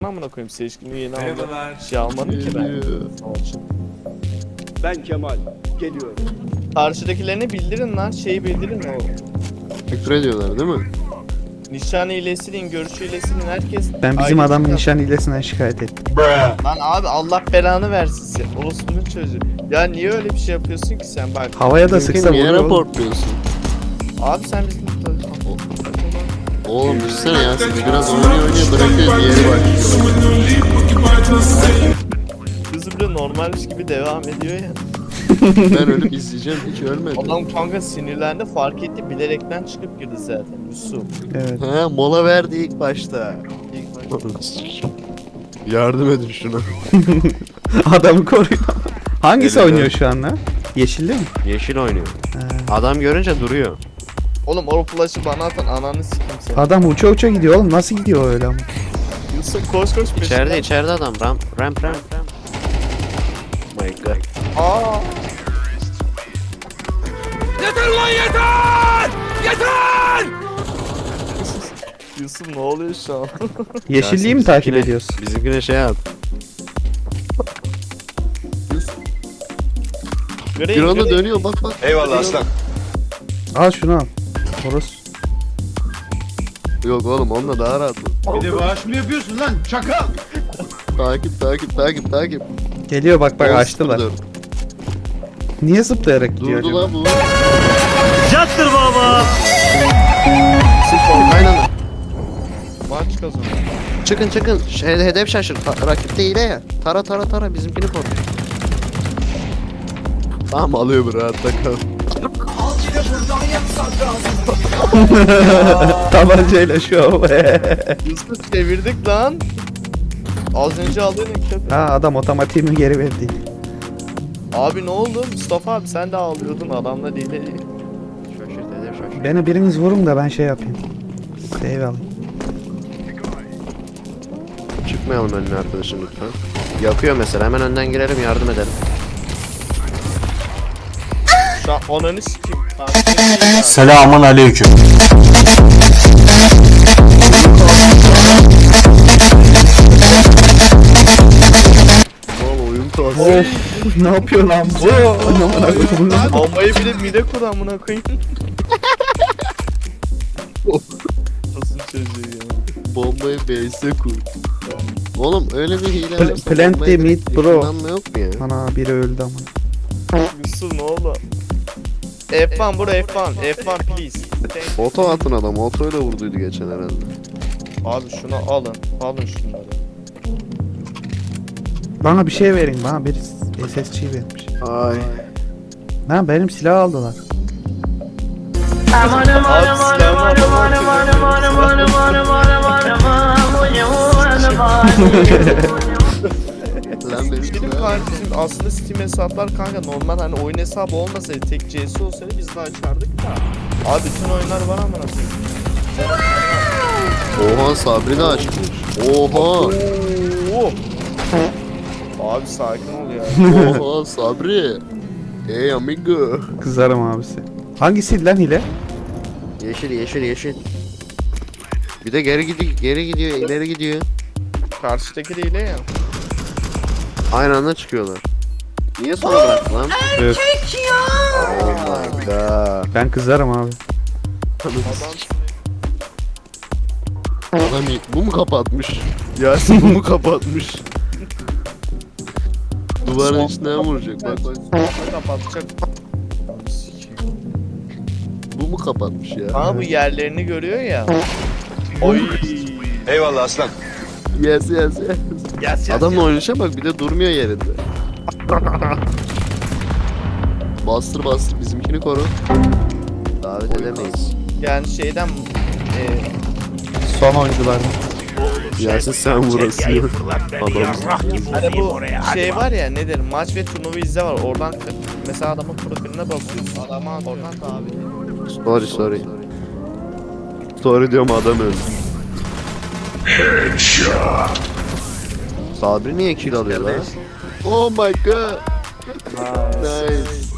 Amına koyayım seçkini yeni aldım. Şey almadım ki ben. Ben Kemal. Geliyorum. Karşıdakilerini bildirin lan. Şeyi bildirin o. Küfür ediyorlar değil mi? Nişan hilesinin, görüş hilesinin herkes... Ben bizim ayrı adamın bir- nişan hilesinden şikayet ettim. Lan abi Allah belanı versin sen. Orospunun çocuğu. Ya niye öyle bir şey yapıyorsun ki sen bak. Havaya da sıksa Niye vuruyor. raportluyorsun? Abi sen bizim... Oğlum düşünsene ya siz biraz oynuyor bırakıyor diğeri başlıyor. Kızı bile normalmiş gibi devam ediyor ya. Ben ölüp izleyeceğim hiç ölmedim. Adam kanka sinirlendi fark etti bilerekten çıkıp girdi zaten Yusuf. Evet. He mola verdi ilk başta. İlk başta. Yardım edin şuna. Adamı koruyor. Hangisi Evet, oynuyor evet. şu anda? Yeşilli mi? Yeşil oynuyor. He. Adam görünce duruyor. Oğlum o flash'ı bana atan ananı sikim seni. Adam uça uça gidiyor oğlum. Nasıl gidiyor öyle ama? Yusuf koş koş peşinden. İçeride adam ramp. My god. Aa. Yusuf ne oluyor şu an? Yeşilliği mi takip ediyorsun? Bizimkine şey yap. Göreyim, Bir anda göreyim. dönüyor bak. Eyvallah aslan. Al şunu al. Orası. Yok oğlum onunla daha rahat. Bir de bağış mı yapıyorsun lan? Çakal. Takip. Geliyor bak 10-0 açtılar. dön. Niye zıplayarak gidiyor Durdu acaba? lan bu. Aynen. Maç kazanıyor. Çıkın. Hedef şaşır. Rakip de hile ya. Tara bizimkini koru. Tamam alıyor bu rahatta kal. Tabancayla şov. Yusuf çevirdik lan. Az önce aldığın köpek. Ha adam otomatiğimi geri verdi. Abi ne oldu? Mustafa abi sen de ağlıyordun adamla değil. Şaşırt. Beni biriniz vurun da ben şey yapayım. Save alayım. Çıkmayalım önüne arkadaşım lütfen. Yakıyor mesela hemen önden girelim yardım edelim. Şu an ananı sikeyim. Selamun aleyküm. Valla oyun tuhaf. Of ne yapıyor lan bu? Bombayı bile mide kur amına koyayım. Nasıl çocuğu ya? Bombayı base'e kur. Oğlum öyle bir hile Pl- varsa plant bombayı the direkt meat, bro. yakınlanma yok mu ya? Ana biri öldü ama. Yusuf ne oldu? F1 bro F1 please. Oto atın adam. Otoyla vurduydu geçen herhalde. Abi şunu alın. Alın şunları. Bana bir şey verin. Bana bir SSC vermiş. Ay. Lan benim silah aldılar. Abi silahımı Lan benim Benim kardeşim aslında Steam hesaplar kanka normal hani oyun hesabı olmasaydı tek CS olsaydı biz de açardık da. Abi bütün oyunlar var amına koyayım. Oha Sabri de açmış. Oha. Oo. Abi sakin ol ya. Oha Sabri. Hey amigo. Kızarım abisi. Hangisi lan hile? Yeşil. Bir de geri gidiyor, ileri gidiyor. Karşıdaki değil ya. Aynı anda çıkıyorlar. Niye sonra bıraktı lan? Evet. Oh my god. Ben kızarım abi. Adam Bu mu kapatmış? Yasin bu mu kapatmış? Duvarın içinden vuracak bak. kapatacak. Bu mu kapatmış ya? Ama bu yerlerini görüyor ya. Oy. Eyvallah aslan. Yes. Adamla oynayışa bak bir de durmuyor yerinde. Bastır bizimkini koru. Davet edemeyiz. Yani şeyden Son oyunculardan. Yasin sen vurasın. Adam. hani bu şey var ya ne derim maç ve turnuva izle var oradan mesela adamın profiline basıyorsun adama oradan davet ediyor. Sorry. Sorry diyorum adam öldü. Sabri niye kill alıyor lan? Oh my god. Nice.